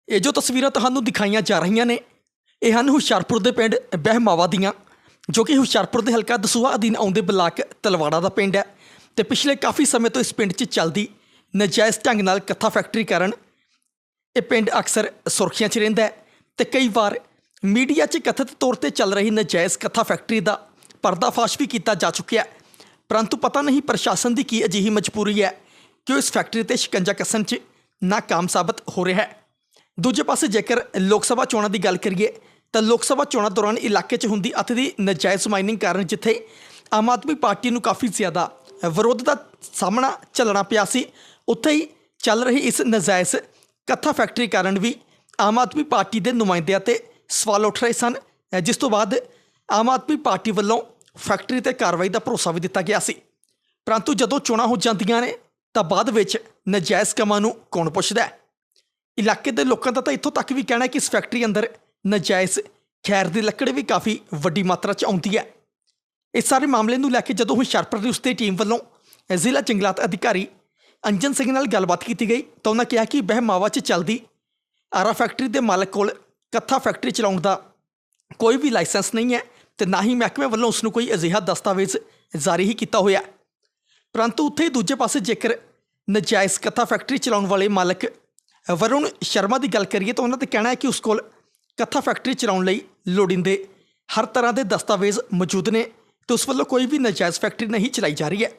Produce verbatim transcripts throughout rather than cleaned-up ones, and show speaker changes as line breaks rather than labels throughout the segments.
ਇਹ ਜੋ ਤਸਵੀਰਾਂ ਤੁਹਾਨੂੰ ਦਿਖਾਈਆਂ ਜਾ ਰਹੀਆਂ ਨੇ ਇਹ ਹਨ ਹੁਸ਼ਿਆਰਪੁਰ ਦੇ ਪਿੰਡ ਬਹਿਮਾਵਾ ਦੀਆਂ, ਜੋ ਕਿ ਹੁਸ਼ਿਆਰਪੁਰ ਦੇ ਹਲਕਾ ਦਸੂਹਾ ਅਧੀਨ ਆਉਂਦੇ ਬਲਾਕ ਤਲਵਾੜਾ ਦਾ ਪਿੰਡ ਹੈ। ਤੇ ਪਿਛਲੇ ਕਾਫੀ ਸਮੇਂ ਤੋਂ ਇਸ ਪਿੰਡ 'ਚ ਚੱਲਦੀ ਨਜਾਇਜ਼ ਢੰਗ ਨਾਲ ਕੱਥਾ ਫੈਕਟਰੀ ਕਾਰਨ ਇਹ ਪਿੰਡ ਅਕਸਰ ਸੁਰਖੀਆਂ 'ਚ ਰਹਿੰਦਾ ਹੈ। ਤੇ ਕਈ ਵਾਰ ਮੀਡੀਆ 'ਚ ਕਥਿਤ ਤੌਰ 'ਤੇ ਚੱਲ ਰਹੀ ਨਜਾਇਜ਼ ਕੱਥਾ ਫੈਕਟਰੀ ਦਾ ਪਰਦਾਫਾਸ਼ ਵੀ ਕੀਤਾ ਜਾ ਚੁੱਕਿਆ, ਪਰੰਤੂ ਪਤਾ ਨਹੀਂ ਪ੍ਰਸ਼ਾਸਨ ਦੀ ਕੀ ਅਜਿਹੀ ਮਜਬੂਰੀ ਹੈ ਕਿ ਉਹ ਇਸ ਫੈਕਟਰੀ 'ਤੇ ਸ਼ਿਕੰਜਾ ਕੱਸਣ 'ਚ ਨਾਕਾਮ ਸਾਬਤ ਹੋ ਰਿਹਾ ਹੈ। ਦੂਜੇ ਪਾਸੇ ਜੇਕਰ ਲੋਕ ਸਭਾ ਚੋਣਾਂ ਦੀ ਗੱਲ ਕਰੀਏ ਤਾਂ ਲੋਕ ਸਭਾ ਚੋਣਾਂ ਦੌਰਾਨ ਇਲਾਕੇ 'ਚ ਹੁੰਦੀ ਅੱਤ ਦੀ ਨਜਾਇਜ਼ ਮਾਈਨਿੰਗ ਕਾਰਨ ਜਿੱਥੇ ਆਮ ਆਦਮੀ ਪਾਰਟੀ ਨੂੰ ਕਾਫੀ ਜ਼ਿਆਦਾ ਵਿਰੋਧ ਦਾ ਸਾਹਮਣਾ ਝੱਲਣਾ ਪਿਆ ਸੀ, ਉੱਥੇ ਹੀ ਚੱਲ ਰਹੀ ਇਸ ਨਜਾਇਜ਼ ਕੱਥਾ ਫੈਕਟਰੀ ਕਾਰਨ ਵੀ ਆਮ ਆਦਮੀ ਪਾਰਟੀ ਦੇ ਨੁਮਾਇੰਦਿਆਂ 'ਤੇ ਸਵਾਲ ਉੱਠ ਰਹੇ ਸਨ, ਜਿਸ ਤੋਂ ਬਾਅਦ ਆਮ ਆਦਮੀ ਪਾਰਟੀ ਵੱਲੋਂ ਫੈਕਟਰੀ 'ਤੇ ਕਾਰਵਾਈ ਦਾ ਭਰੋਸਾ ਵੀ ਦਿੱਤਾ ਗਿਆ ਸੀ। ਪਰੰਤੂ ਜਦੋਂ ਚੋਣਾਂ ਹੋ ਜਾਂਦੀਆਂ ਨੇ ਤਾਂ ਬਾਅਦ ਵਿੱਚ ਨਜਾਇਜ਼ ਕੰਮਾਂ ਨੂੰ ਕੌਣ ਪੁੱਛਦਾ ਹੈ। ਇਲਾਕੇ ਦੇ ਲੋਕਾਂ ਦਾ ਤਾਂ ਇੱਥੋਂ ਤੱਕ ਵੀ ਕਹਿਣਾ ਹੈ ਕਿ ਇਸ ਫੈਕਟਰੀ ਅੰਦਰ ਨਜਾਇਜ਼ ਖੈਰ ਦੀ ਲੱਕੜ ਵੀ ਕਾਫੀ ਵੱਡੀ ਮਾਤਰਾ 'ਚ ਆਉਂਦੀ ਹੈ। ਇਸ ਸਾਰੇ ਮਾਮਲੇ ਨੂੰ ਲੈ ਕੇ ਜਦੋਂ ਹੁਸ਼ਿਆਰਪੁਰ ਨਿਊਜ਼ ਦੀ ਟੀਮ ਵੱਲੋਂ ਜ਼ਿਲ੍ਹਾ ਜੰਗਲਾਤ ਅਧਿਕਾਰੀ ਅੰਜਨ ਸਿੰਘ ਨਾਲ ਗੱਲਬਾਤ ਕੀਤੀ ਗਈ ਤਾਂ ਉਹਨਾਂ ਕਿਹਾ ਕਿ ਬਹਿਮਾਵਾ 'ਚ ਚੱਲਦੀ ਆਰਾ ਫੈਕਟਰੀ ਦੇ ਮਾਲਕ ਕੋਲ ਕੱਥਾ ਫੈਕਟਰੀ ਚਲਾਉਣ ਦਾ ਕੋਈ ਵੀ ਲਾਇਸੈਂਸ ਨਹੀਂ ਹੈ ਤੇ ਨਾ ਹੀ ਮਹਿਕਮੇ ਵੱਲੋਂ ਉਸ ਨੂੰ ਕੋਈ ਅਜਿਹਾ ਦਸਤਾਵੇਜ਼ ਜਾਰੀ ਹੀ ਕੀਤਾ ਹੋਇਆ। ਪਰੰਤੂ ਉੱਥੇ ਦੂਜੇ ਪਾਸੇ ਜੇਕਰ ਨਜਾਇਜ਼ ਕੱਥਾ ਫੈਕਟਰੀ ਚਲਾਉਣ ਵਾਲੇ ਮਾਲਕ ਵਰੁਣ ਸ਼ਰਮਾ ਦੀ ਗੱਲ ਕਰੀਏ ਤਾਂ ਉਹਨਾਂ ਦਾ ਕਹਿਣਾ ਹੈ ਕਿ ਉਸ ਕੋਲ ਕੱਥਾ ਫੈਕਟਰੀ ਚਲਾਉਣ ਲਈ ਲੋੜੀਂਦੇ ਹਰ ਤਰ੍ਹਾਂ ਦੇ ਦਸਤਾਵੇਜ਼ ਮੌਜੂਦ ਨੇ ਤੇ ਉਸ ਵੱਲੋਂ ਕੋਈ ਵੀ ਨਜਾਇਜ਼ ਫੈਕਟਰੀ ਨਹੀਂ ਚਲਾਈ ਜਾ ਰਹੀ ਹੈ।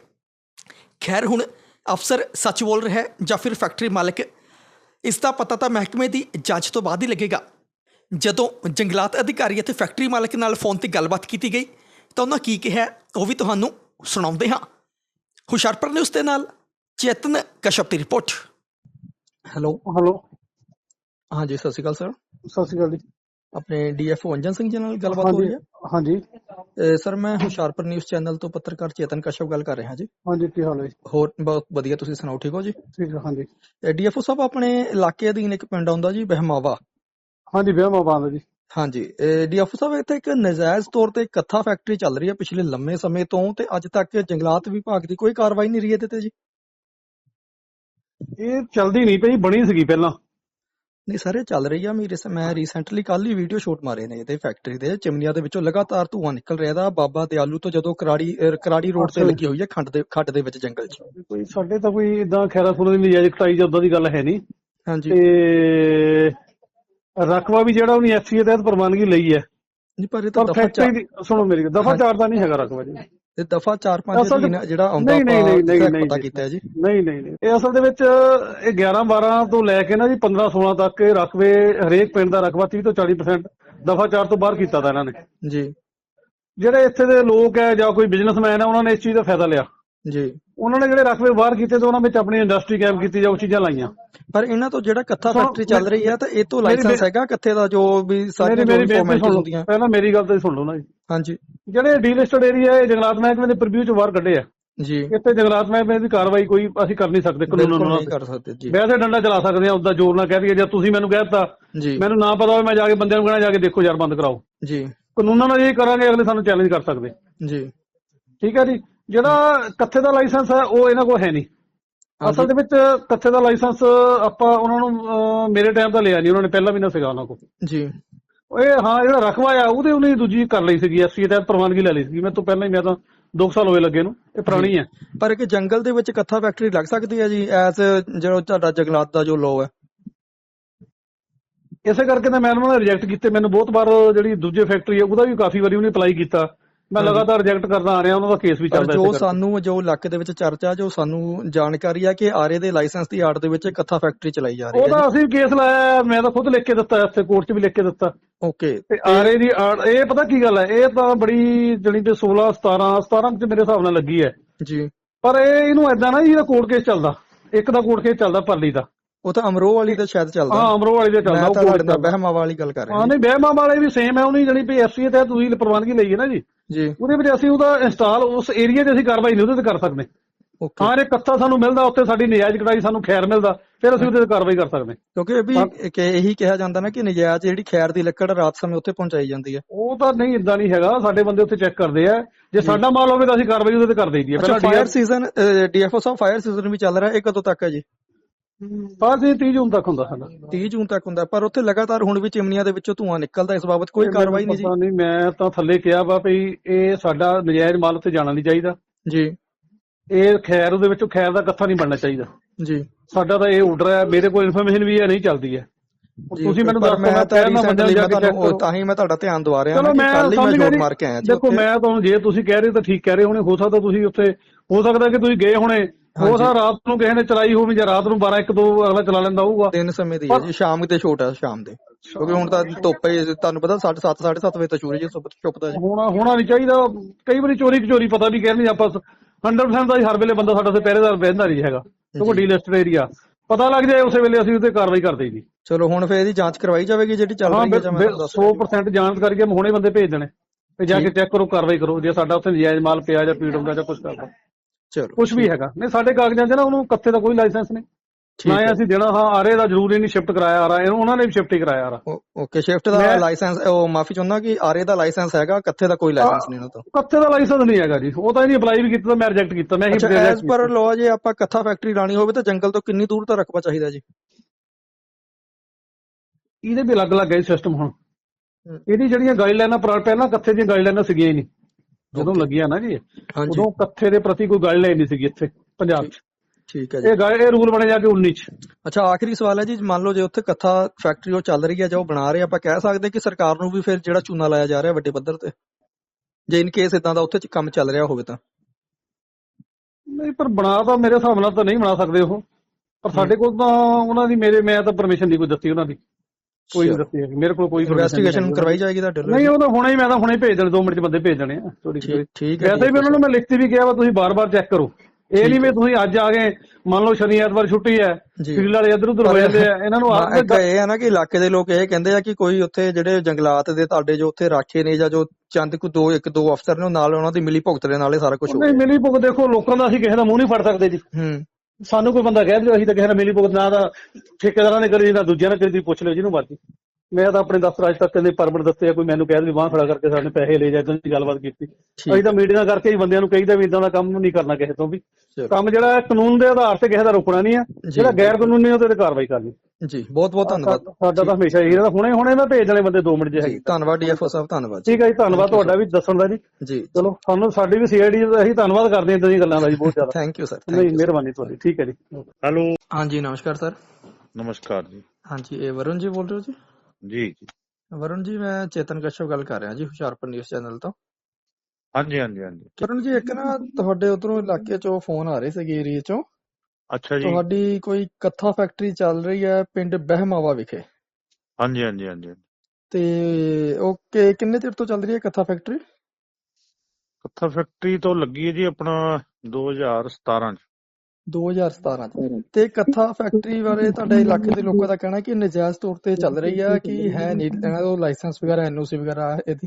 ਖੈਰ ਹੁਣ ਅਫਸਰ ਸੱਚ ਬੋਲ ਰਿਹਾ ਹੈ ਜਾਂ ਫਿਰ ਫੈਕਟਰੀ ਮਾਲਕ, ਇਸ ਦਾ ਪਤਾ ਤਾਂ ਮਹਿਕਮੇ ਦੀ ਜਾਂਚ ਤੋਂ ਬਾਅਦ ਹੀ ਲੱਗੇਗਾ। ਜਦੋਂ ਜੰਗਲਾਤ ਅਧਿਕਾਰੀ ਅਤੇ ਫੈਕਟਰੀ ਮਾਲਕ ਨਾਲ ਫੋਨ 'ਤੇ ਗੱਲਬਾਤ ਕੀਤੀ ਗਈ ਤਾਂ ਉਹਨਾਂ ਕੀ ਕਿਹਾ ਉਹ ਵੀ ਤੁਹਾਨੂੰ ਸੁਣਾਉਂਦੇ ਹਾਂ। ਹੁਸ਼ਿਆਰਪੁਰ ਨਿਊਜ਼ ਦੇ ਨਾਲ ਚੇਤਨ ਕਸ਼ਪ ਦੀ ਰਿਪੋਰਟ।
ਹੈਲੋ
ਹੈਲੋ
ਹਾਂਜੀ, ਸਤਿ ਸ਼੍ਰੀ ਅਕਾਲ ਸਰ।
ਸਤਿ ਸ਼੍ਰੀ ਅਕਾਲ ਜੀ।
ਆਪਣੇ ਡੀਐਫਓ ਅੰਜਨ ਸਿੰਘ ਜੀ ਨਾਲ ਗੱਲਬਾਤ ਹੋ ਰਹੀ ਹੈ?
ਹਾਂਜੀ
ਅਹ ਸਰ, ਮੈਂ ਹੁਸ਼ਿਆਰਪੁਰ ਨਿਊਜ਼ ਚੈਨਲ ਤੋਂ ਪੱਤਰਕਾਰ ਚੇਤਨ ਕਸ਼ਪ ਗੱਲ ਕਰ ਰਿਹਾ ਜੀ।
ਹਾਂਜੀ, ਕੀ ਹਾਲ ਹੈ ਜੀ?
ਹੋਰ ਬਹੁਤ ਵਧੀਆ, ਤੁਸੀਂ ਸੁਣਾਓ, ਠੀਕ ਹੋ ਜੀ?
ਠੀਕ ਹੈ। ਹਾਂਜੀ
ਡੀਐਫਓ ਸਾਹਿਬ, ਆਪਣੇ ਇਲਾਕੇ ਅਧੀਨ ਇੱਕ ਪਿੰਡ ਆਉਂਦਾ ਜੀ ਬਹਿਮਾਵਾ।
ਹਾਂਜੀ ਬਹਿਮਾਵਾ ਜੀ।
ਹਾਂਜੀ ਡੀਐਫਓ ਸਾਹਿਬ, ਇੱਥੇ ਇੱਕ ਨਜਾਇਜ਼ ਤੌਰ ਤੇ ਕੱਥਾ ਫੈਕਟਰੀ ਚੱਲ ਰਹੀ ਹੈ ਪਿਛਲੇ ਲੰਮੇ ਸਮੇਂ ਤੋਂ ਤੇ ਅੱਜ ਤੱਕ ਜੰਗਲਾਤ ਵਿਭਾਗ ਦੀ ਕੋਈ ਕਾਰਵਾਈ ਨਹੀਂ ਰਹੀ ਇਹਦੇ ਤੇ ਜੀ।
ਇਹ ਚਲਦੀ ਨਹੀਂ ਪਈ, ਬਣੀ ਸੀਗੀ ਪਹਿਲਾਂ।
ਨਹੀਂ ਸਰ, ਇਹ ਚੱਲ ਰਹੀ ਆ। ਮੇਰੇ ਮੈਂ ਰੀਸੈਂਟਲੀ ਕੱਲ ਹੀ ਵੀਡੀਓ ਸ਼ੂਟ ਮਾਰੇ ਨੇ ਇਹਦੇ ਫੈਕਟਰੀ ਦੇ ਚਿਮਨੀਆਂ ਦੇ ਵਿੱਚੋਂ ਲਗਾਤਾਰ ਧੂੰਆਂ ਨਿਕਲ ਰਿਹਾ ਦਾ ਬਾਬਾ ਦਿਆਲੂ ਤੋਂ, ਜਦੋਂ ਕਰਾੜੀ ਕਰਾੜੀ ਰੋਡ ਤੇ ਲੱਗੀ ਹੋਈ ਹੈ ਖੰਡ ਦੇ ਖੱਡ ਦੇ ਵਿੱਚ ਜੰਗਲ 'ਚ।
ਕੋਈ ਸਾਡੇ ਤਾਂ ਕੋਈ ਇਦਾਂ ਖੈਰਾ ਸੁਣਨ ਦੀ ਨਜਾਇਜ਼ ਕਟਾਈ ਜਾਂ ਉਦਾਂ ਦੀ ਗੱਲ ਹੈ ਨਹੀਂ।
ਹਾਂਜੀ,
ਤੇ ਰਕਬਾ ਵੀ ਜਿਹੜਾ ਉਹਨੇ ਐਫਸੀਏ ਤਹਿਤ ਪ੍ਰਵਾਨਗੀ ਲਈ ਹੈ।
ਨਹੀਂ ਪਰ ਇਹ ਤਾਂ
ਪਰ
ਦਫਾ
ਫੈਕਟਰੀ ਦੀ ਸੁਣੋ ਮੇਰੀ ਗੱਲ, ਦਫਾ ਚਾਰ ਦਾ ਨਹੀਂ ਹੈਗਾ ਰਕਬਾ ਜੀ।
ਇਹ ਦਫਾ ਚਾਰ ਪੰਜ ਜਿਹੜਾ ਆਉਂਦਾ
ਨਹੀਂ ਨਹੀਂ ਨਹੀਂ ਨਹੀਂ
ਪਤਾ ਕੀਤਾ ਜੀ।
ਨਹੀਂ ਨਹੀਂ ਨਹੀਂ ਇਹ ਅਸਲ ਦੇ ਵਿੱਚ ਇਹ ਗਿਆਰਾਂ ਬਾਰਾਂ ਤੋਂ ਲੈ ਕੇ ਨਾ ਜੀ ਪੰਦਰਾਂ ਸੋਲਾਂ ਤੱਕ ਇਹ ਰਕਬੇ ਹਰੇਕ ਪਿੰਡ ਦਾ ਰਕਬਾ ਤੀਹ ਤੋਂ ਚਾਲੀ ਪਰਸੈਂਟ ਦਫਾ ਚਾਰ ਤੋਂ ਬਾਹਰ ਕੀਤਾ ਤਾ ਇਹਨਾਂ ਨੇ
ਜੀ।
ਜਿਹੜੇ ਇੱਥੇ ਦੇ ਲੋਕ ਹੈ ਜਾਂ ਕੋਈ ਬਿਜ਼ਨਸਮੈਨ ਹੈ ਉਹਨਾਂ ਨੇ ਇਸ ਚੀਜ਼ ਦਾ ਫਾਇਦਾ ਲਿਆ
ਜੀ।
ਉਹਨਾਂ ਨੇ ਜਿਹੜੇ ਰਕਬੇ ਬਾਹਰ ਕੀਤੇ ਤੇ ਉਹਨਾਂ ਵਿੱਚ ਆਪਣੀ ਇੰਡਸਟਰੀ ਕੈਂਪ ਕੀਤੀ ਜਾਂ ਉਹ ਚੀਜ਼ਾਂ ਲਾਈਆਂ।
ਪਰ ਇਹਨਾਂ ਤੋਂ ਜਿਹੜਾ ਕੱਥਾ ਫੈਕਟਰੀ ਚੱਲ ਰਹੀ ਹੈ ਤਾਂ ਇਹ ਤੋਂ ਲਾਇਸੈਂਸ ਹੈਗਾ ਕੱਥੇ ਦਾ, ਜੋ ਵੀ ਸਾਰੀਆਂ ਫਾਰਮੈਲਿਟੀਆਂ ਹੁੰਦੀਆਂ?
ਪਹਿਲਾਂ ਮੇਰੀ ਗੱਲ ਤਾਂ ਸੁਣ ਲਓ ਨਾ ਜੀ।
ਹਾਂਜੀ।
ਜਿਹੜੇ ਡੀਲਿਸਟਡ ਏਰੀਆ ਇਹ ਜੰਗਲਾਤ ਮਹਿਕਮੇ ਦੇ ਪ੍ਰੀਵਿਊ ਚੋਂ ਬਾਹਰ ਕੱਢੇ ਆ
ਜੀ।
ਇੱਥੇ ਜੰਗਲਾਤ ਮਹਿਕਮੇ ਦੀ ਕਾਰਵਾਈ ਕੋਈ ਅਸੀਂ ਕਰ ਨਹੀਂ ਸਕਦੇ ਕਾਨੂੰਨ ਨਾਲ।
ਕਰ ਸਕਦੇ ਜੀ।
ਵੈਸੇ ਡੰਡਾ ਚਲਾ ਸਕਦੇ ਆ, ਉਦਾਂ ਜ਼ੋਰ ਨਾਲ ਕਹਿ ਦਈਏ ਜਾਂ ਤੁਸੀਂ ਮੈਨੂੰ ਕਹਿ ਦਿੱਤਾ
ਜੀ,
ਮੈਨੂੰ ਨਾ ਪਤਾ ਹੋਵੇ ਮੈਂ ਜਾ ਕੇ ਬੰਦਿਆਂ ਨੂੰ ਕਹਿਣਾ ਜਾ ਕੇ ਦੇਖੋ ਯਾਰ ਬੰਦ ਕਰਾਓ
ਜੀ।
ਕਾਨੂੰਨਾਂ ਨਾਲ ਜੇ ਕਰਾਂਗੇ ਅਗਲੇ ਸਾਨੂੰ ਚੈਲੰਜ ਕਰ ਸਕਦੇ
ਜੀ।
ਠੀਕ ਹੈ ਜੀ। ਜਿਹੜਾ ਕੱਥੇ ਦਾ ਲਾਇਸੈਂਸ ਹੈ ਉਹ ਇਹਨਾਂ ਕੋਲ ਹੈ ਨਹੀਂ। ਅਸਲ ਦੇ ਵਿੱਚ ਕੱਥੇ ਦਾ ਲਾਇਸੈਂਸ ਆਪਾਂ ਉਹਨਾਂ ਨੂੰ ਮੇਰੇ ਟਾਈਮ ਤਾਂ ਲਿਆ ਨਹੀਂ, ਉਹਨਾਂ ਨੇ ਪਹਿਲਾਂ ਵੀ ਨਾ ਸੀਗਾ ਉਹਨਾਂ ਕੋਲ
ਜੀ।
ਇਹ ਹਾਂ ਜਿਹੜਾ ਰਕਬਾ ਆ ਉਹਦੇ ਉਹਨੇ ਦੂਜੀ ਕਰ ਲਈ ਸੀਗੀ, ਐਫਸੀ ਤਹਿਤ ਪ੍ਰਵਾਨਗੀ ਲੈ ਲਈ ਸੀਗੀ। ਮੈਂ ਤੋਂ ਪਹਿਲਾਂ ਹੀ, ਮੈਂ ਤਾਂ ਦੋ ਸਾਲ ਹੋਏ ਲੱਗੇ ਨੂੰ, ਇਹ ਪੁਰਾਣੀ ਹੈ।
ਪਰ ਇੱਕ ਜੰਗਲ ਦੇ ਵਿੱਚ ਕੱਥਾ ਫੈਕਟਰੀ ਲੱਗ ਸਕਦੀ ਹੈ ਜੀ ਐਸ ਜਿਹੜਾ ਤੁਹਾਡਾ ਜੰਗਲਾਤ ਦਾ ਜੋ ਲਾਅ ਹੈ?
ਇਸੇ ਕਰਕੇ ਤਾਂ ਮੈਂ ਉਹਨਾਂ ਨੇ ਰਿਜੈਕਟ ਕੀਤੇ। ਮੈਨੂੰ ਬਹੁਤ ਵਾਰ ਜਿਹੜੀ ਦੂਜੇ ਫੈਕਟਰੀ ਹੈ ਉਹਦਾ ਵੀ ਕਾਫੀ ਵਾਰੀ ਉਹਨੇ ਅਪਲਾਈ ਕੀਤਾ, ਮੈਂ ਲਗਾਤਾਰ ਰਿਜੈਕਟ ਕਰਦਾ ਆ ਰਿਹਾ। ਉਹਨਾਂ ਦਾ ਕੇਸ ਵੀ ਚੱਲਦਾ।
ਜੋ ਸਾਨੂੰ ਜੋ ਇਲਾਕੇ ਦੇ ਵਿੱਚ ਚਰਚਾ, ਜੋ ਸਾਨੂੰ ਜਾਣਕਾਰੀ ਹੈ ਕਿ ਆਰੇ ਦੇ ਲਾਇਸੈਂਸ ਦੀ ਆੜ ਦੇ ਵਿੱਚ ਕੱਥਾ ਫੈਕਟਰੀ ਚਲਾਈ ਜਾ ਰਹੀ ਹੈ।
ਉਹਦਾ ਅਸੀਂ ਕੇਸ ਲਾਇਆ, ਮੈਂ ਤਾਂ ਖੁਦ ਲਿਖ ਕੇ ਦਿੱਤਾ, ਇੱਥੇ ਕੋਰਟ 'ਚ ਵੀ ਲਿਖ ਕੇ ਦਿੱਤਾ।
ਓਕੇ।
ਤੇ ਆਰੇ ਦੀ ਆੜ, ਇਹ ਪਤਾ ਕੀ ਗੱਲ ਹੈ, ਇਹ ਤਾਂ ਬੜੀ ਜਿਹੜੀ ਤੇ ਸੋਲਾਂ ਸਤਾਰਾਂ ਸਤਾਰਾਂ 'ਚ ਮੇਰੇ ਹਿਸਾਬ ਨਾਲ ਲੱਗੀ ਹੈ
ਜੀ।
ਪਰ ਇਹ ਇਹਨੂੰ ਏਦਾਂ ਨਾ ਜੀ, ਇਹਦਾ ਕੋਰਟ ਕੇਸ ਚੱਲਦਾ, ਇੱਕ ਦਾ ਕੋਰਟ ਕੇਸ ਚੱਲਦਾ ਪਰਲੀ ਦਾ।
ਉਹ ਤਾਂ ਅਮਰੋਹ ਵਾਲੀ ਦਾ ਸ਼ਾਇਦ ਚੱਲਦਾ।
ਹਾਂ, ਅਮਰੋਹ ਵਾਲੀ ਦਾ ਚੱਲਦਾ। ਉਹ ਕੋਰਟ ਦਾ
ਬਹਿਮਾ ਵਾਲੀ ਗੱਲ ਕਰ ਰਹੇ
ਹਾਂ। ਨਹੀਂ, ਬਹਿਮਾ ਵਾਲੇ ਵੀ ਸੇਮ ਹੈ। ਉਹਨੀ ਜਿਹੜੀ ਐਫਸੀ ਤਹਿਤ ਤੁਸੀਂ ਪ੍ਰਵਾਨਗੀ ਲਈ ਹੈ ਨਾ ਜੀ,
ਜੀ,
ਉਹਦੇ ਵਿੱਚ ਅਸੀਂ ਉਹਦਾ ਇੰਸਟਾਲ ਉਸ ਏਰੀਆ 'ਚ ਅਸੀਂ ਕਾਰਵਾਈ ਨਹੀਂ ਉਹਦੇ ਤੇ ਕਰ ਸਕਦੇ। ਹਾਂ, ਜੇ ਕੱਥਾ ਸਾਨੂੰ ਮਿਲਦਾ ਉੱਥੇ ਸਾਡੀ ਨਜਾਇਜ਼ ਕਟਾਈ ਸਾਨੂੰ ਖੈਰ ਮਿਲਦਾ, ਫਿਰ ਅਸੀਂ ਉਹਦੇ ਤੇ ਕਾਰਵਾਈ ਕਰ ਸਕਦੇ।
ਕਿਉਂਕਿ ਇਹ ਵੀ ਇਹੀ ਕਿਹਾ ਜਾਂਦਾ ਨਾ ਕਿ ਨਜਾਇਜ਼ ਜਿਹੜੀ ਖੈਰ ਦੀ ਲੱਕੜ ਰਾਤ ਸਮੇਂ ਉੱਥੇ ਪਹੁੰਚਾਈ ਜਾਂਦੀ ਹੈ।
ਉਹ ਤਾਂ ਨਹੀਂ, ਇਦਾਂ ਨਹੀਂ ਹੈਗਾ। ਸਾਡੇ ਬੰਦੇ ਉੱਥੇ ਚੈੱਕ ਕਰਦੇ ਆ, ਜੇ ਸਾਡਾ ਮਾਲ ਹੋਵੇ ਤਾਂ ਅਸੀਂ ਕਾਰਵਾਈ ਉਹਦੇ ਤੇ ਕਰ ਦੇਈਦੀ ਹੈ।
ਪਹਿਲਾਂ ਫਾਇਰ ਸੀਜ਼ਨ ਡੀਐਫਓ ਸਾਹਿਬ, ਫਾਇਰ ਸੀਜ਼ਨ ਵੀ ਚੱਲ ਰਿਹਾ, ਇਹ ਕਦੋਂ ਤੱਕ ਹੈ ਜੀ?
ਪਾਸ ਜੀ ਤੀਹ ਜੂਨ ਤੱਕ ਹੁੰਦਾ ਸਾਡਾ।
ਤੀਹ ਜੂਨ ਤੱਕ ਹੁੰਦਾ, ਪਰ ਉੱਥੇ ਲਗਾਤਾਰ ਹੁਣ ਵੀ ਚਿਮਨੀਆਂ ਦੇ ਵਿੱਚੋਂ ਧੂੰਆਂ ਨਿਕਲਦਾ, ਇਸ ਬਾਬਤ ਕੋਈ
ਇਹ
ਕਾਰਵਾਈ
ਮੈਨੂੰ
ਨਹੀਂ ਜੀ?
ਪਤਾ ਨਹੀਂ, ਮੈਂ ਤਾਂ ਥੱਲੇ ਕਿਹਾ ਵਾ ਵੀ ਇਹ ਸਾਡਾ ਨਜਾਇਜ਼ ਮਾਲ ਉੱਥੇ ਜਾਣਾ ਨਹੀਂ ਚਾਹੀਦਾ,
ਜੀ
ਇਹ ਖੈਰ ਉਹਦੇ ਵਿੱਚੋਂ ਖੈਰ ਦਾ ਕੱਥਾ ਨਹੀਂ ਬਣਨਾ ਚਾਹੀਦਾ।
ਜੀ
ਸਾਡਾ ਤਾਂ ਇਹ ਆਰਡਰ ਹੈ, ਮੇਰੇ ਕੋਲ ਇਨਫੋਰਮੇਸ਼ਨ ਵੀ ਹੈ ਨਹੀਂ ਚੱਲਦੀ ਹੈ।
ਜੀ,
ਤੁਸੀਂ ਮੈਨੂੰ
ਪਰ
ਦੱਸੋ,
ਮੈਂ
ਮੈਂ
ਤਾਂ
ਕਹਿਣਾ ਬੰਦਿਆਂ
recently
ਜਾ
ਮੈਂ
ਕੇ ਚੈੱਕ
ਤੁਹਾਨੂੰ
ਕਰੋ।
ਤਾਂ ਹੀ ਮੈਂ ਤੁਹਾਡਾ ਧਿਆਨ ਦਵਾ ਰਿਹਾ
ਚਲੋ
ਹਾਂ ਕਿ
ਮੈਂ
ਕੱਲ ਹੀ ਮੈਂ
ਸਮਝ ਗਿਆ
ਜੋੜ
ਜੀ।
ਮਾਰ ਕੇ ਆਇਆ ਜੀ
ਦੇਖੋ
ਉੱਥੇ।
ਮੈਂ ਤੁਹਾਨੂੰ, ਜੇ ਤੁਸੀਂ ਕਹਿ ਰਹੇ ਹੋ ਤਾਂ ਠੀਕ ਕਹਿ ਰਹੇ ਹੋਣੇ, ਹੋ ਸਕਦਾ ਤੁਸੀਂ ਉੱਥੇ, ਹੋ ਸਕਦਾ ਕਿ ਤੁਸੀਂ ਗਏ ਹੋਣੇ, ਹੋ
ਹਾਂਜੀ।
ਸਕਦਾ ਰਾਤ ਨੂੰ ਕਿਸੇ ਨੇ ਚਲਾਈ ਹੋਵੇ, ਜਾਂ ਰਾਤ ਨੂੰ ਬਾਰਾਂ ਇੱਕ ਦੋ ਅਗਲਾ ਚਲਾ ਲੈਂਦਾ ਹੋਊਗਾ।
ਦਿਨ ਸਮੇਂ ਦੀ ਹੈ ਜੀ, ਸ਼ਾਮ ਦੇ ਛੋਟ ਹੈ ਸ਼ਾਮ ਦੇ, ਕਿਉਂਕਿ ਹੁਣ ਤਾਂ ਧੁੱਪ ਹੈ, ਤੁਹਾਨੂੰ ਪਤਾ ਸਾਢੇ ਸੱਤ ਸਾਢੇ ਸੱਤ ਵਜੇ ਤਾਂ ਸੂਰਜ ਛੁਪਦਾ ਜੀ।
ਹੋਣਾ ਹੋਣਾ ਨਹੀਂ ਚਾਹੀਦਾ। ਕਈ ਵਾਰੀ ਚੋਰੀ ਚੋਰੀ ਪਤਾ ਵੀ ਕਹਿੰਦੇ ਆਪਾਂ ਹੰਡਰਡ ਪਰਸੈਂਟ ਦਾ ਹੀ ਹਰ ਵੇਲੇ ਬੰਦਾ ਸਾਡਾ ਤੇ ਪਹਿਰੇਦਾਰ ਬਹਿੰਦਾ ਨਹੀਂ ਹੈਗਾ, ਕਿਉਂਕਿ ਡੀਲਿਸਟਡ ਏਰੀਆ ਪਤਾ ਲੱਗ ਜਾਏ ਉਸੇ ਵੇਲੇ ਅਸੀਂ ਉਹਤੇ ਕਾਰਵਾਈ ਕਰਦੇ ਜੀ।
ਚਲੋ ਹੁਣ ਫੇਰ ਇਹਦੀ ਜਾਂਚ ਕਰਵਾਈ ਜਾਵੇਗੀ ਜਿਹੜੀ ਚੱਲ ਰਹੀ ਹੈ, ਜਾਂ ਮੈਂ ਤੁਹਾਨੂੰ ਦੱਸ
ਸੌ ਪਰਸੈਂਟ ਜਾਂਚ ਕਰਕੇ ਹੁਣੇ ਬੰਦੇ ਭੇਜ ਦੇਣੇ ਤੇ ਜਾ ਕੇ ਚੈੱਕ ਕਰੋ, ਕਾਰਵਾਈ ਕਰੋ। ਜੇ ਸਾਡਾ ਉੱਥੇ ਨਜਾਇਜ਼ ਮਾਲ ਪਿਆ ਜਾਂ ਪੀੜ ਹੁੰਦਾ ਜਾਂ ਕੁਝ ਕਰਦਾ,
ਚਲੋ
ਕੁਝ ਵੀ ਹੈਗਾ ਨਹੀਂ ਸਾਡੇ ਕਾਗਜ਼ਾਂ 'ਚ ਨਾ, ਉਹਨੂੰ ਕੱਥੇ ਦਾ ਕੋਈ ਲਾਇਸੈਂਸ ਨਹੀਂ,
ਠੀਕ
ਨਾ
ਹੈ।
ਹੀ ਅਸੀਂ ਦੇਣਾ। ਹਾਂ ਆਰੇ ਦਾ ਜ਼ਰੂਰੀ ਨਹੀਂ ਸ਼ਿਫਟ ਕਰਾਇਆ ਆ ਰਹਾ, ਇਹਨੂੰ ਉਹਨਾਂ ਨੇ ਵੀ ਸ਼ਿਫਟ ਹੀ ਕਰਾਇਆ ਆ ਰਹਾ।
ਓਕੇ, ਸ਼ਿਫਟ ਦਾ
ਮੈਂ-
ਲਾਇਸੈਂਸ, ਉਹ ਮਾਫੀ ਚਾਹੁੰਦਾ ਕਿ ਆਰੇ ਦਾ ਲਾਇਸੈਂਸ ਹੈਗਾ, ਕੱਥੇ ਦਾ ਕੋਈ ਲਾਇਸੈਂਸ ਨਹੀਂ ਉਹਨਾਂ ਤੋਂ।
ਕੱਥੇ ਦਾ ਲਾਇਸੈਂਸ ਨਹੀਂ ਹੈਗਾ ਜੀ, ਉਹ ਤਾਂ ਇਹਨੇ ਅਪਲਾਈ ਵੀ ਕੀਤਾ ਤਾਂ ਮੈਂ ਰਿਜੈਕਟ ਕੀਤਾ। ਮੈਂ ਹੀ
ਅੱਛਾ,
reject
ਐਜ਼ ਪਰ
ਕੀਤਾ।
ਲਾਅ ਜੇ ਆਪਾਂ ਕੱਥਾ ਫੈਕਟਰੀ ਲਾਣੀ ਹੋਵੇ ਤਾਂ ਜੰਗਲ ਤੋਂ ਕਿੰਨੀ ਦੂਰ ਦਾ ਰਕਬਾ ਚਾਹੀਦਾ ਜੀ?
ਇਹਦੇ ਵੀ ਅਲੱਗ-ਅਲੱਗ ਹੈ ਸਿਸਟਮ। ਹੁਣ
ਹੂੰ।
ਇਹਦੀ ਜਿਹੜੀਆਂ ਗਾਈਡਲਾਈਨਾਂ ਪਹਿਲਾਂ ਕੱਥੇ ਦੀਆਂ ਗਾਈਡਲਾਈਨਾਂ ਸੀਗੀਆਂ ਹੀ ਨਹੀਂ ਜਦੋਂ
Okay.
ਲੱਗੀਆਂ ਨਾ ਜੀ,
ਹਾਂਜੀ,
ਉਦੋਂ ਕੱਥੇ ਦੇ ਪ੍ਰਤੀ ਕੋਈ ਗਾਈਡਲਾਈਨ ਨਹੀਂ ਸੀਗੀ ਇੱਥੇ ਪੰਜਾਬ 'ਚ।
ਠੀਕ ਹੈ ਜੀ।
ਇਹ ਗਾਈਡ ਇਹ ਰੂਲ ਬਣੇ ਜਾ ਕੇ ਉੱਨੀ 'ਚ।
ਅੱਛਾ, ਆਖਰੀ ਸਵਾਲ ਹੈ ਜੀ, ਮੰਨ ਲਓ ਜੇ ਉੱਥੇ ਕੱਥਾ ਫੈਕਟਰੀ ਉਹ ਚੱਲ ਰਹੀ ਹੈ ਜਾਂ ਉਹ ਬਣਾ ਰਹੇ, ਆਪਾਂ ਕਹਿ ਸਕਦੇ ਕਿ ਸਰਕਾਰ ਨੂੰ ਵੀ ਫਿਰ ਜਿਹੜਾ ਚੂਨਾ ਲਾਇਆ ਜਾ ਰਿਹਾ ਵੱਡੇ ਪੱਧਰ ਤੇ, ਜੇ ਇਨ ਕੇਸ ਇਦਾਂ ਦਾ ਉੱਥੇ ਚ ਕੰਮ ਚੱਲ ਰਿਹਾ ਹੋਵੇ ਤਾਂ?
ਨਹੀਂ, ਪਰ ਬਣਾ ਤਾਂ ਮੇਰੇ ਹਿਸਾਬ ਨਾਲ ਤਾਂ ਨਹੀਂ ਬਣਾ ਸਕਦੇ ਉਹ, ਪਰ ਸਾਡੇ ਕੋਲ ਤਾਂ ਉਹਨਾਂ ਦੀ, ਮੇਰੇ ਮੈਂ ਤਾਂ ਪਰਮਿਸ਼ਨ ਨਹੀਂ ਕੋਈ ਦਿੱਤੀ ਉਹਨਾਂ ਦੀ, ਕੋਈ ਨਹੀਂ ਦਿੱਤੀ ਹੈਗੀ ਮੇਰੇ ਕੋਲ, ਕੋਈ permission ਨਹੀਂ
ਇਨਵੈਸਟੀਗੇਸ਼ਨ
ਹੈਗੀ।
ਕਰਵਾਈ ਜਾਏਗੀ ਤੁਹਾਡੇ ਵੱਲੋਂ?
ਨਹੀਂ, ਉਹ ਤਾਂ ਹੁਣੇ ਹੀ, ਮੈਂ ਤਾਂ ਹੁਣੇ ਹੀ ਭੇਜ ਦੇਣੇ, ਦੋ ਮਿੰਟ 'ਚ ਬੰਦੇ ਭੇਜ ਦੇਣੇ ਆ। ਥੋੜੀ
ਠੀਕ ਠੀਕ ਹੈ
ਵੈਸੇ ਵੀ ਉਹਨਾਂ ਨੂੰ ਮੈਂ ਲਿਖਤੀ ਵੀ ਕਿਹਾ ਵਾ, ਤੁਸੀਂ ਬਾਰ-ਬਾਰ ਚੈੱਕ ਕਰੋ। ਇਹ ਨਹੀਂ ਵੀ ਤੁਸੀਂ ਅੱਜ ਆ ਗਏ, ਮੰਨ ਲਓ ਸ਼ਨੀ ਐਤਵਾਰ ਛੁੱਟੀ ਹੈ,
ਜੀ।
ਫੀਲਡ ਵਾਲੇ ਇੱਧਰ ਉੱਧਰ ਹੋ ਜਾਂਦੇ ਆ, ਇਹਨਾਂ ਨੂੰ
ਹਾਂ,
ਆਪ
ਇੱਕ ਇਹ ਹੈ ਨਾ ਕਿ ਇਲਾਕੇ ਦੇ ਲੋਕ ਇਹ ਕਹਿੰਦੇ ਆ ਕਿ ਕੋਈ ਉੱਥੇ ਜਿਹੜੇ ਜੰਗਲਾਤ ਦੇ ਤੁਹਾਡੇ ਜੋ ਉੱਥੇ ਰਾਖੇ ਨੇ ਜਾਂ ਜੋ ਚੰਦ ਕੋ ਦੋ ਇੱਕ ਦੋ ਅਫਸਰ ਨੇ, ਉਹ ਨਾਲ ਉਹਨਾਂ ਦੀ ਮਿਲੀ ਭੁਗਤ ਦੇ ਨਾਲੇ ਸਾਰਾ ਕੁਝ ਹੋ
ਨਹੀਂ
ਰਿਹਾ।
ਮਿਲੀ ਭੁਗਤ ਦੇਖੋ, ਲੋਕਾਂ ਦਾ ਅਸੀਂ ਕਿਸੇ ਦਾ ਮੂੰਹ ਨਹੀਂ ਫੜ ਸਕਦੇ ਜੀ।
ਹੂੰ,
ਸਾਨੂੰ ਕੋਈ ਬੰਦਾ ਕਹਿ ਦਿਓ, ਅਸੀਂ ਤਾਂ ਕਿਸੇ ਨਾਲ ਮਿਲੀ ਭੁਗਤ ਨਾ ਦਾ ਠੇਕੇਦਾਰਾਂ ਨੇ ਕਰੀ, ਨਾ ਦੂਜਿਆਂ ਨੇ ਕਰੀ, ਤੁਸੀਂ ਪੁੱਛ ਲਿਓ ਜਿਹਨੂੰ ਮਰਜ਼ੀ। ਮੈਂ ਤਾਂ ਆਪਣੇ ਦਫ਼ਤਰ ਅੱਜ ਤੱਕ ਕਦੇ ਪਰਮਿਟ ਦਿੱਤੇ ਆ, ਕੋਈ ਮੈਨੂੰ ਕਹਿ ਦੇ ਬਾਂਹ ਖੜਾ ਕਰਕੇ ਸਾਡੇ ਪੈਸੇ ਲੈ ਜਾ, ਇਦਾਂ ਦੀ ਗੱਲਬਾਤ ਕੀਤੀ।
ਠੀਕ।
ਅਸੀਂ ਤਾਂ ਮੀਟਿੰਗਾਂ ਕਰਕੇ ਹੀ ਬੰਦਿਆਂ ਨੂੰ ਕਹੀਦਾ ਵੀ ਇਦਾਂ ਦਾ ਕੰਮ ਨਹੀਂ ਕਰਨਾ ਕਿਸੇ ਤੋਂ ਵੀ।
ਚਲੋ
ਕੰਮ ਜਿਹੜਾ ਹੈ ਕਾਨੂੰਨ ਦੇ ਆਧਾਰ ਤੇ ਕਿਸੇ ਦਾ ਰੋਕਣਾ ਨਹੀਂ ਆ, ਜਿਹੜਾ ਗੈਰ ਕਾਨੂੰਨੀ ਉਹਦੇ ਤੇ ਕਾਰਵਾਈ ਕਰਨੀ।
ਜੀ, ਬਹੁਤ ਬਹੁਤ ਧੰਨਵਾਦ।
ਸਾਡਾ ਤਾਂ ਹਮੇਸ਼ਾ ਇਹੀ ਰਹਿੰਦਾ, ਹੁਣੇ ਹੁਣੇ ਮੈਂ ਭੇਜ ਦੇਣੇ ਬੰਦੇ ਦੋ ਮਿੰਟ ਜੇ
ਜੀ,
ਹੈਗੇ।
ਧੰਨਵਾਦ ਡੀਐਫਓ ਸਾਹਿਬ, ਧੰਨਵਾਦ ਜੀ।
ਠੀਕ ਹੈ ਜੀ, ਧੰਨਵਾਦ ਤੁਹਾਡਾ ਵੀ ਦੱਸਣ ਦਾ ਜੀ।
ਜੀ,
ਚਲੋ ਸਾਨੂੰ ਸਾਡੀ ਵੀ ਸੀਆਈਡੀ ਦਾ ਅਸੀਂ ਧੰਨਵਾਦ ਕਰਦੇ ਹਾਂ ਇਦਾਂ ਦੀਆਂ ਗੱਲਾਂ ਦਾ ਜੀ, ਬਹੁਤ ਜ਼ਿਆਦਾ।
Thank you sir.
ਨਹੀਂ, ਮਿਹਰਬਾਨੀ ਤੁਹਾਡੀ। ਠੀਕ ਹੈ ਜੀ।
ਹੈਲੋ,
ਹਾਂਜੀ, ਨਮਸਕਾਰ ਸਰ।
ਨਮਸਕਾਰ ਜੀ।
ਹਾਂਜੀ, ਇਹ ਵਰੁਣ ਜੀ ਬੋਲ ਰਹੇ ਹੋ ਜੀ?
ਜੀ ਜੀ,
ਵਰੁਣ ਜੀ, ਮੈਂ ਚੇਤਨ ਕਸ਼ਪ ਗੱਲ ਕਰ ਰਿਹਾ ਜੀ, ਹੁਸ਼ਿਆਰਪੁਰ ਨਿਊਜ਼ ਚੈਨਲ ਤੋਂ।
ਹਾਂਜੀ ਹਾਂਜੀ ਹਾਂਜੀ।
ਵਰੁਣ ਜੀ, ਇੱਕ ਨਾ ਤੁਹਾਡੇ ਉਧਰੋਂ ਇਲਾਕੇ ਚੋਂ ਫੋਨ ਆ ਰਹੇ ਸੀਗੇ, ਏਰੀਏ ਚੋਂ।
ਅੱਛਾ ਜੀ।
ਤੁਹਾਡੀ ਕੋਈ ਕੱਥਾ ਫੈਕਟਰੀ ਚੱਲ ਰਹੀ ਹੈ ਪਿੰਡ ਬਹਿਮਾਵਾ ਵਿਖੇ,
ਹਾਂਜੀ ਹਾਂਜੀ ਹਾਂਜੀ।
ਤੇ ਉਹ ਕਿ- ਕਿੰਨੇ ਚਿਰ ਤੋਂ ਚੱਲ ਰਹੀ ਹੈ ਕੱਥਾ ਫੈਕਟਰੀ?
ਕੱਥਾ ਫੈਕਟਰੀ ਤੋਂ ਲੱਗੀ ਹੈ ਜੀ ਆਪਣਾ ਦੋ ਹਜ਼ਾਰ ਸਤਾਰਾਂ ਚ।
ਦੋ ਹਜ਼ਾਰ ਸਤਾਰਾਂ ਚ। ਤੇ ਕੱਥਾ ਫੈਕਟਰੀ ਬਾਰੇ ਤੁਹਾਡੇ ਇਲਾਕੇ ਦੇ ਲੋਕਾਂ ਦਾ ਕਹਿਣਾ ਕਿ ਨਜਾਇਜ਼ ਤੌਰ ਤੇ ਚੱਲ ਰਹੀ ਹੈ, ਕਿ ਹੈ ਨਹੀਂ ਇਹਨਾਂ ਦਾ ਲਾਇਸੈਂਸ ਵਗੈਰਾ, ਐਨਓਸੀ ਵਗੈਰਾ ਇਹਦੀ?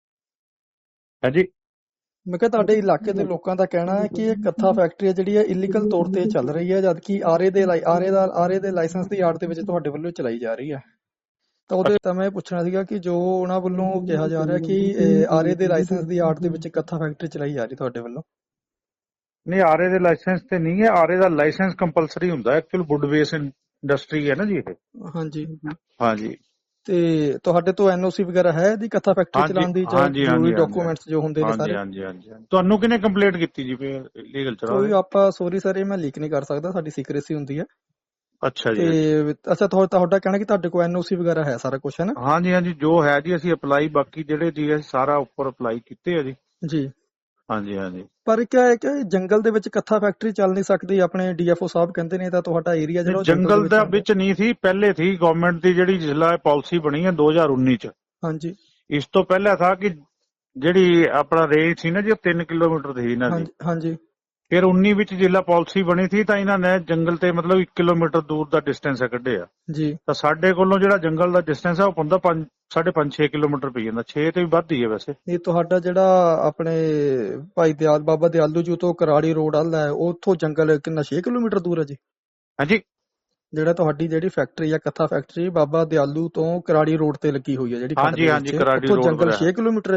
ਹਾਂਜੀ।
ਮੈਂ ਕਿਹਾ ਤੁਹਾਡੇ ਇਲਾਕੇ ਦੇ ਲੋਕਾਂ ਦਾ ਕਹਿਣਾ ਹੈ ਕਿ ਇਹ ਕੱਥਾ ਫੈਕਟਰੀ ਹੈ ਜਿਹੜੀ ਹੈ ਇਲੀਗਲ ਤੌਰ ਤੇ ਚੱਲ ਰਹੀ ਹੈ, ਜਦਕਿ ਆਰੇ ਦੇ ਲਾਈ- ਆਰੇ ਦਾ ਆਰੇ ਦੇ ਲਾਇਸੈਂਸ ਦੀ ਆੜ ਦੇ ਵਿੱਚ ਤੁਹਾਡੇ ਵੱਲੋਂ ਚਲਾਈ ਜਾ ਰਹੀ ਹੈ। ਤਾਂ ਉਹਦੇ ਤਾਂ ਮੈਂ ਪੁੱਛਣਾ ਸੀਗਾ ਕਿ ਜੋ ਉਹਨਾਂ ਵੱਲੋਂ ਕਿਹਾ ਜਾ ਰਿਹਾ ਕਿ ਇਹ ਆਰੇ ਦੇ ਲਾਇਸੈਂਸ ਦੀ ਆੜ ਦੇ ਵਿੱਚ ਕੱਥਾ ਫੈਕਟਰੀ ਚਲਾਈ ਜਾ ਰਹੀ ਤੁਹਾਡੇ ਵੱਲੋਂ।
ਨਹੀਂ, ਆਰੇ ਦੇ ਲਾਇਸੈਂਸ ਤੇ ਨਹੀਂ ਹੈ, ਆਰੇ ਦਾ ਲਾਇਸੈਂਸ ਕੰਪਲਸਰੀ ਹੁੰਦਾ ਹੈ। ਐਕਚੁਅਲ ਵੁੱਡ ਬੇਸ ਇੰਡਸਟਰੀ ਹੈ ਨਾ ਜੀ ਇਹ।
ਹਾਂਜੀ,
ਹਾਂਜੀ।
ਤੇ ਤੁਹਾਡੇ ਤੋਂ ਐਨਓਸੀ ਵਗੈਰਾ ਹੈ ਇਹਦੀ ਕੱਥਾ ਫੈਕਟਰੀ
ਹਾਂਜੀ,
ਚਲਾਉਣ ਦੀ, ਜਾਂ
ਹਾਂਜੀ,
ਜ਼ਰੂਰੀ
ਹਾਂਜੀ,
ਡਾਕੂਮੈਂਟਸ ਜੋ ਹੁੰਦੇ ਨੇ
ਹਾਂਜੀ
ਸਾਰੇ?
ਹਾਂਜੀ ਹਾਂਜੀ। ਤੁਹਾਨੂੰ ਕਿਹਨੇ ਕੰਪਲੇਂਟ ਕੀਤੀ ਜੀ ਲੀਗਲ ਚਲਾ
ਕੋਈ
ਰਹੇ?
ਆਪਾਂ ਸੋਰੀ ਸਰ, ਇਹ ਮੈਂ ਲੀਕ ਨਹੀਂ ਕਰ ਸਕਦਾ, ਸਾਡੀ ਸੀਕ੍ਰੇਸੀ ਹੁੰਦੀ ਹੈ।
ਅੱਛਾ ਜੀ।
ਤੇ ਅੱਛਾ, ਤੁਹਾ- ਤੁਹਾਡਾ ਕਹਿਣਾ ਕਿ ਤੁਹਾਡੇ ਕੋਲ ਐਨਓਸੀ ਵਗੈਰਾ ਹੈ, ਸਾਰਾ ਕੁਝ ਹੈ ਨਾ?
ਹਾਂਜੀ ਹਾਂਜੀ, ਜੋ ਹੈ ਜੀ ਅਸੀਂ ਅਪਲਾਈ, ਬਾਕੀ ਜਿਹੜੇ ਜੀ ਅਸੀਂ ਸਾਰਾ ਉੱਪਰ ਅਪਲਾਈ ਕੀਤੇ ਆ ਜੀ।
ਜੀ।
ਹਾਂਜੀ ਹਾਂਜੀ।
ਪਰ ਕਿਆ ਹੈ ਕਿ ਜੰਗਲ ਦੇ ਵਿੱਚ ਕੱਥਾ ਫੈਕਟਰੀ ਚੱਲ ਨਹੀਂ ਸਕਦੀ, ਆਪਣੇ ਡੀਐਫਓ ਸਾਹਿਬ ਕਹਿੰਦੇ ਨੇ, ਤਾਂ ਤੁਹਾਡਾ ਏਰੀਆ ਜਿਹੜਾ ਉਹ
ਜੰਗਲ ਦਾ
ਆਉਂਦਾ।
ਵਿੱਚ ਨਹੀਂ ਸੀ, ਪਹਿਲੇ ਸੀ ਗਵਰਨਮੈਂਟ ਦੀ ਜਿਹੜੀ ਜ਼ਿਲ੍ਹਾ ਪਾਲਿਸੀ ਬਣੀ ਹੈ ਦੋ ਹਜ਼ਾਰ ਉੱਨੀ ਚ।
ਹਾਂਜੀ
ਇਸ ਤੋਂ ਪਹਿਲਾਂ ਥਾ ਕਿ ਜਿਹੜੀ ਆਪਣਾ ਰੇਂਜ ਸੀ ਨਾ ਜੀ, ਉਹ ਤਿੰਨ ਕਿਲੋਮੀਟਰ ਦੀ ਸੀ ਇਹਨਾਂ ਦੀ।
ਹਾਂਜੀ ਹਾਂਜੀ
ਫਿਰ ਉੱਨੀ ਵਿੱਚ ਜ਼ਿਲ੍ਹਾ ਪਾਲਿਸੀ ਬਣੀ ਸੀ, ਤਾਂ ਇਹਨਾਂ ਨੇ ਜੰਗਲ ਤੇ ਮਤਲਬ ਇੱਕ ਕਿਲੋਮੀਟਰ ਦੂਰ ਦਾ ਡਿਸਟੈਂਸ ਕੱਢਿਆ।
ਜੀ।
ਤਾਂ ਸਾਡੇ ਕੋਲੋਂ ਜਿਹੜਾ ਜੰਗਲ ਦਾ ਡਿਸਟੈਂਸ ਹੈ ਉਹ ਪੰਦਾ ਪੰਜ ਸਾਢੇ ਪੰਜ ਛੇ ਕਿਲੋਮੀਟਰ ਪਈ ਜਾਂਦਾ, ਛੇ ਤੇ ਵੀ ਵੱਧ ਹੀ ਹੈ ਵੈਸੇ।
ਇਹ ਤੁਹਾਡਾ ਜਿਹੜਾ ਆਪਣੇ ਭਾਈ ਦਿਆਲ ਬਾਬਾ ਦਿਆਲੂ ਜੀ ਤੋਂ ਕਰਾੜੀ ਰੋਡ ਵੱਲ ਹੈ, ਉੱਥੋਂ ਜੰਗਲ ਕਿੰਨਾ ਛੇ ਕਿਲੋਮੀਟਰ ਦੂਰ ਹੈ ਜੀ?
ਹਾਂਜੀ।
ਜਿਹੜਾ ਤੁਹਾਡੀ ਜਿਹੜੀ ਫੈਕਟਰੀ ਆ ਕੱਥਾ ਫੈਕਟਰੀ ਬਾਬਾ ਦਿਆਲੂ ਤੋਂ ਕਰਾੜੀ ਰੋਡ ਤੇ ਲੱਗੀ ਹੋਈ ਹੈ ਜਿਹੜੀ,
ਹਾਂਜੀ ਹਾਂਜੀ, ਕਰਾੜੀ
ਉੱਥੋਂ
ਰੋਡ
ਜੰਗਲ
ਪਰ
ਛੇ ਕਿਲੋਮੀਟਰ ਹੈ ਜੀ?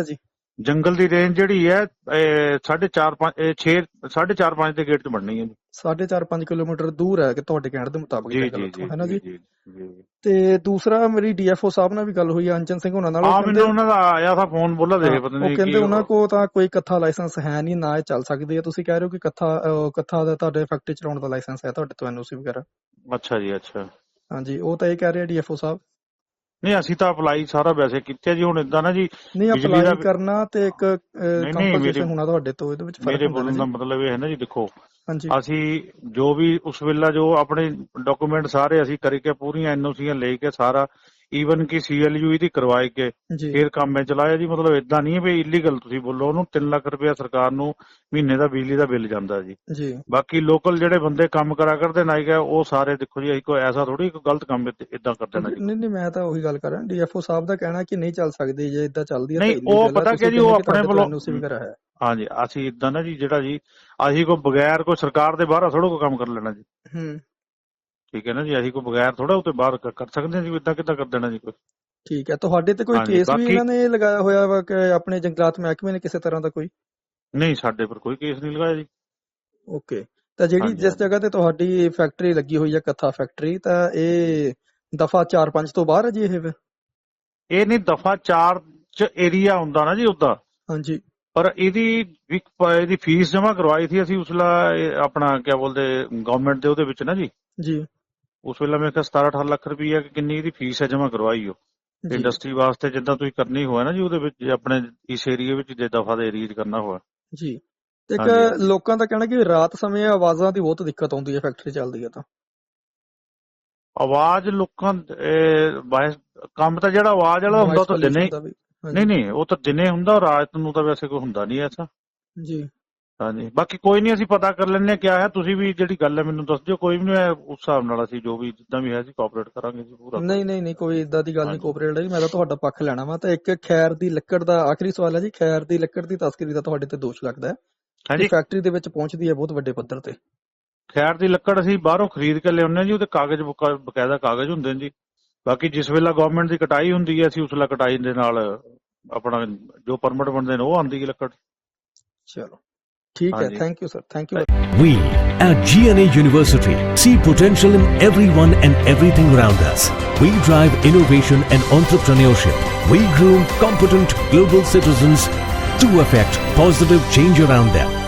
ਜੰਗਲ ਦੀ ਰੇਂਜ ਜਿਹੜੀ ਹੈ ਇਹ ਸਾਢੇ ਚਾਰ ਪੰਜ ਇਹ ਛੇ ਸਾਢੇ ਚਾਰ ਪੰਜ ਦੇ ਗੇਟ 'ਚ ਬਣਨੀ ਹੈ ਜੀ।
ਸਾਢੇ ਚਾਰ ਪੰਜ ਕਿਲੋਮੀਟਰ ਦੂਰ ਹੈ ਕਿ ਤੁਹਾਡੇ ਕਹਿਣ ਦੇ ਮੁਤਾਬਕ
ਜੀ
ਜੰਗਲ
ਜੀ
ਉੱਥੋਂ,
ਜੀ
ਹੈ ਨਾ ਜੀ।
ਜੀ ਜੀ।
ਤੇ ਦੂਸਰਾ ਮੇਰੀ ਡੀਐਫਓ ਸਾਹਿਬ ਨਾਲ ਵੀ ਗੱਲ ਹੋਈ ਆ ਅੰਚਨ ਸਿੰਘ ਉਹਨਾਂ ਨਾਲ।
ਆ
ਉਹ
ਮੈਨੂੰ
ਕਹਿੰਦੇ
ਉਹਨਾਂ ਦਾ ਆਇਆ ਥਾ ਫੋਨ, ਬੋਲਾ ਦੇ ਪਤਾ
ਉਹ
ਨਹੀਂ
ਕਹਿੰਦੇ
ਕੀ
ਉਹਨਾਂ ਕੋਲ ਤਾਂ ਕੋਈ ਕੱਥਾ ਲਾਇਸੈਂਸ ਹੈ ਨਹੀਂ, ਨਾ ਇਹ ਚੱਲ ਸਕਦੀ ਹੈ। ਤੁਸੀਂ ਕਹਿ ਰਹੇ ਹੋ ਕਿ ਕੱਥਾ ਅਹ, ਕੱਥਾ ਦਾ ਤੁਹਾਡੇ ਫੈਕਟਰੀ ਚਲਾਉਣ ਦਾ ਲਾਇਸੈਂਸ ਹੈ ਤੁਹਾਡੇ ਤੋਂ, ਐਨਓਸੀ ਵਗੈਰਾ।
ਅੱਛਾ ਜੀ ਅੱਛਾ।
ਹਾਂਜੀ, ਉਹ ਤਾਂ ਇਹ ਕਹਿ ਰਹੇ ਡੀਐਫਓ ਸਾਹਿਬ।
ਨਹੀਂ ਅਸੀਂ ਤਾਂ ਅਪਲਾਈ ਸਾਰਾ ਵੈਸੇ ਕੀਤਾ ਜੀ। ਹੁਣ ਇਦਾਂ ਨਾ ਜੀ
ਨਹੀਂ,
ਬਿਜਲੀ
ਅਪਲਾਈ
ਦਾ
ਕਰਨਾ ਤੇ ਇੱਕ
ਨਹੀਂ
ਕੰਪਨਸੇਸ਼ਨ
ਮੇਰੇ
ਹੋਣਾ ਤੁਹਾਡੇ ਤੋਂ, ਇਹਦੇ ਵਿੱਚ ਫਰਕ
ਮੇਰੇ
ਹੁੰਦਾ ਨਾ
ਬੋਲਣ ਦਾ
ਜੀ।
ਮਤਲਬ ਇਹ ਹੈ ਨਾ ਜੀ, ਦੇਖੋ
ਹਾਂਜੀ
ਅਸੀਂ ਜੋ ਵੀ ਉਸ ਵੇਲੇ ਜੋ ਆਪਣੇ ਡਾਕੂਮੈਂਟ ਸਾਰੇ ਅਸੀਂ ਕਰਕੇ ਪੂਰੀਆਂ ਐਨਓਸੀਆਂ ਲੈ ਕੇ ਸਾਰਾ ਈਵਨ ਕਿ ਸੀਐਲਯੂ ਇਹਦੀ ਕਰਵਾਏ ਕੇ
ਜੀ
ਫਿਰ ਕੰਮ ਮੈਂ ਚਲਾਇਆ ਜੀ। ਮਤਲਬ ਇਦਾਂ ਨਹੀਂ ਹੈ ਵੀ ਇਲੀਗਲ ਤੁਸੀਂ ਬੋਲੋ। ਉਹਨੂੰ ਤਿੰਨ ਲੱਖ ਰੁਪਇਆ ਸਰਕਾਰ ਨੂੰ ਮਹੀਨੇ ਦਾ ਬਿਜਲੀ ਦਾ ਬਿੱਲ ਜਾਂਦਾ ਜੀ।
ਜੀ
ਬਾਕੀ ਲੋਕਲ ਜਿਹੜੇ ਬੰਦੇ ਕੰਮ ਕਰਾ ਕਰਦੇ ਨਾ ਗਏ ਉਹ ਸਾਰੇ ਦੇਖੋ ਜੀ, ਅਸੀਂ ਕੋਈ ਐਸਾ ਥੋੜੀ ਕੋਈ ਗਲਤ ਕੰਮ ਇਦਾਂ ਕਰ ਦੇਣਾ ਜੀ।
ਨਹੀਂ ਨਹੀਂ, ਮੈਂ ਤਾਂ ਉਹੀ ਗੱਲ ਕਰ ਰਿਹਾ। ਡੀਐਫਓ ਸਾਹਿਬ ਦਾ ਕਹਿਣਾ ਕਿ ਨਹੀਂ ਚੱਲ ਸਕਦੀ ਜੇ ਇਦਾਂ ਚੱਲਦੀ ਹੈ
ਨਹੀਂ,
ਤਾਂ
ਉਹ
illegal ਹੈ।
ਪਤਾ
ਤੁਸੀਂ
ਕਿ ਜੀ ਉਹ
ਕਹਿੰਦੇ ਕਿ
ਆਪਣੇ
ਤੁਹਾਡੇ ਤੋਂ
ਵੱਲੋਂ
ਐਨਓਸੀ ਵਗੈਰਾ ਹੈ।
ਹਾਂਜੀ ਅਸੀਂ ਇਦਾਂ ਨਾ ਜੀ, ਜਿਹੜਾ ਜੀ ਅਸੀਂ ਕੋਈ ਬਗੈਰ ਕੋਈ ਸਰਕਾਰ ਦੇ ਬਾਹਰ ਥੋੜਾ ਕੋਈ ਕੰਮ ਕਰ ਲੈਣਾ ਜੀ।
ਹੂੰ
ਠੀਕ ਹੈ ਨਾ ਜੀ, ਅਸੀਂ ਕੋਈ ਬਗੈਰ ਥੋੜਾ ਉੱਤੇ ਬਾਹਰ ਕ- ਕਰ ਸਕਦੇ ਹਾਂ ਜੀ। ਇਦਾਂ ਕਿੱਦਾਂ ਕਰ ਦੇਣਾ ਜੀ ਕੋਈ।
ਠੀਕ ਹੈ। ਤੁਹਾਡੇ ਤੇ ਕੋਈ
ਹਾਂਜੀ,
ਕੇਸ ਵੀ
ਬਾਕੀ-
ਇਹਨਾਂ ਨੇ ਲਗਾਇਆ ਹੋਇਆ ਵਾ ਕਿ ਆਪਣੇ ਜੰਗਲਾਤ ਮਹਿਕਮੇ ਨੇ ਕਿਸੇ ਤਰ੍ਹਾਂ ਦਾ ਕੋਈ?
ਨਹੀਂ ਸਾਡੇ ਪਰ ਕੋਈ ਕੇਸ ਨਹੀਂ ਲਗਾਇਆ ਜੀ।
ਓਕੇ। ਤਾਂ ਜਿਹੜੀ
ਹਾਂਜੀ,
ਜਿਸ
ਹਾਂਜੀ।
ਜਗ੍ਹਾ ਤੇ ਤੁਹਾਡੀ ਫੈਕਟਰੀ ਲੱਗੀ ਹੋਈ ਹੈ ਕੱਥਾ ਫੈਕਟਰੀ, ਤਾਂ ਇਹ ਦਫਾ ਚਾਰ ਪੰਜ ਤੋਂ ਬਾਹਰ ਹੈ ਜੀ ਇਹ ਫਿਰ?
ਇਹ ਨਹੀਂ ਦਫਾ ਚਾਰ ਚ ਏਰੀਆ ਹੁੰਦਾ ਨਾ ਜੀ ਉੱਦਾਂ,
ਹਾਂਜੀ
ਪਰ ਇਹਦੀ ਵੀ ਪ- ਇਹਦੀ ਫੀਸ ਜਮ੍ਹਾਂ ਕਰਵਾਈ ਸੀ ਅਸੀਂ ਉਸ ਵੇਲੇ। ਇਹ ਆਪਣਾ ਕਿਆ ਬੋਲਦੇ ਗਵਰਨਮੈਂਟ ਦੇ ਉਹਦੇ ਵਿੱਚ ਨਾ ਜੀ,
ਜੀ
ਉਸ ਵੇਲੇ ਮੈਂ ਕਿਹਾ ਸਤਾਰਾਂ ਅਠਾਰਾਂ ਲੱਖ ਰੁਪਈਆ ਕਿ ਕਿੰਨੀ ਇਹਦੀ ਫੀਸ ਹੈ ਜਮ੍ਹਾਂ ਕਰਵਾਈ ਉਹ
ਜੀ
ਇੰਡਸਟਰੀ ਵਾਸਤੇ। ਜਿੱਦਾਂ ਤੁਸੀਂ ਕਰਨੀ ਹੋਇਆ ਨਾ ਜੀ ਉਹਦੇ ਵਿੱਚ, ਜੇ ਆਪਣੇ ਇਸ ਏਰੀਆ ਵਿੱਚ ਜੇ ਦਫਾ ਦੇ ਏਰੀਆ 'ਚ ਕਰਨਾ ਹੋਇਆ।
ਜੀ। ਤੇ ਇੱਕ
ਹਾਂਜੀ, ਹਾਂਜੀ।
ਲੋਕਾਂ ਦਾ ਕਹਿਣਾ ਕਿ ਰਾਤ ਸਮੇਂ ਆਵਾਜ਼ਾਂ ਦੀ ਬਹੁਤ ਦਿੱਕਤ ਆਉਂਦੀ ਹੈ ਫੈਕਟਰੀ ਚੱਲਦੀ ਹੈ ਤਾਂ।
ਆਵਾਜ਼ ਲੋਕਾਂ ਇਹ ਬਾਇਸ ਕੰਮ ਤਾਂ ਜਿਹੜਾ ਆਵਾਜ਼ ਵਾਲਾ ਹੁੰਦਾ ਉਹ ਤਾਂ
Noise
ਦਿਨੇ
pollution ਦਾ ਵੀ। ਹਾਂਜੀ,
ਨਹੀਂ ਨਹੀਂ ਉਹ ਤਾਂ ਦਿਨੇ ਹੁੰਦਾ, ਰਾਤ ਨੂੰ ਤਾਂ ਵੈਸੇ ਕੋਈ ਹੁੰਦਾ ਨਹੀਂ ਐਸਾ।
ਜੀ
ਹਾਂਜੀ ਬਾਕੀ ਕੋਈ ਨਹੀਂ, ਅਸੀਂ ਪਤਾ ਕਰ ਲੈਂਦੇ ਹਾਂ ਕਿਆ ਹੈ। ਤੁਸੀਂ ਵੀ ਜਿਹੜੀ ਗੱਲ ਹੈ ਮੈਨੂੰ ਦੱਸ ਦਿਓ, ਕੋਈ ਵੀ ਨਹੀਂ, ਉਸ ਹਿਸਾਬ ਨਾਲ ਅਸੀਂ ਜੋ ਵੀ ਜਿੱਦਾਂ ਵੀ ਹੈ ਅਸੀਂ ਕੋਆਪਰੇਟ ਕਰਾਂਗੇ ਜੀ ਪੂਰਾ।
ਨਹੀਂ ਨਹੀਂ ਨਹੀਂ, ਕੋਈ ਇਦਾਂ ਦੀ ਗੱਲ ਨਹੀਂ
ਹਾਂਜੀ।
ਕੋਆਪਰੇਟ ਦੀ। ਮੈਂ ਤਾਂ ਤੁਹਾਡਾ ਪੱਖ ਲੈਣਾ ਵਾ। ਤਾਂ ਇੱਕ ਖੈਰ ਦੀ ਲੱਕੜ ਦਾ ਆਖਰੀ ਸਵਾਲ ਹੈ ਜੀ। ਖੈਰ ਦੀ ਲੱਕੜ ਦੀ ਤਸਕਰੀ ਦਾ ਤੁਹਾਡੇ ਤੇ ਦੋਸ਼ ਲੱਗਦਾ ਹੈ ਕਿ
ਹਾਂਜੀ
ਫੈਕਟਰੀ ਦੇ ਵਿੱਚ ਪਹੁੰਚਦੀ ਹੈ ਬਹੁਤ ਵੱਡੇ ਪੱਧਰ ਤੇ।
ਖੈਰ ਦੀ ਲੱਕੜ ਅਸੀਂ ਬਾਹਰੋਂ ਖਰੀਦ ਕੇ ਲਿਆਉਂਦੇ ਹਾਂ ਜੀ। ਉਹਦੇ ਕਾਗਜ਼ ਬਕਾ- ਬਕਾਇਦਾ ਕਾਗਜ਼ ਹੁੰਦੇ ਨੇ ਜੀ। ਬਾਕੀ ਜਿਸ ਵੇਲੇ ਗਵਰਨਮੈਂਟ ਦੀ ਕਟਾਈ ਹੁੰਦੀ ਹੈ ਅਸੀਂ ਉਸ ਵੇਲੇ ਕਟਾਈ ਦੇ ਨਾਲ ਆਪਣਾ ਜੋ ਪਰਮਿਟ ਬਣਦੇ ਨੇ ਉਹ ਆਉਂਦੀ ਹੈ ਲੱਕੜ।
ਚਲੋ ਠੀਕ ਹੈ।
ਹਾਂਜੀ।
Thank you sir, thank you.
We at G N A University see potential in everyone and everything around us. We drive innovation and entrepreneurship. We groom competent global citizens to affect positive change around them.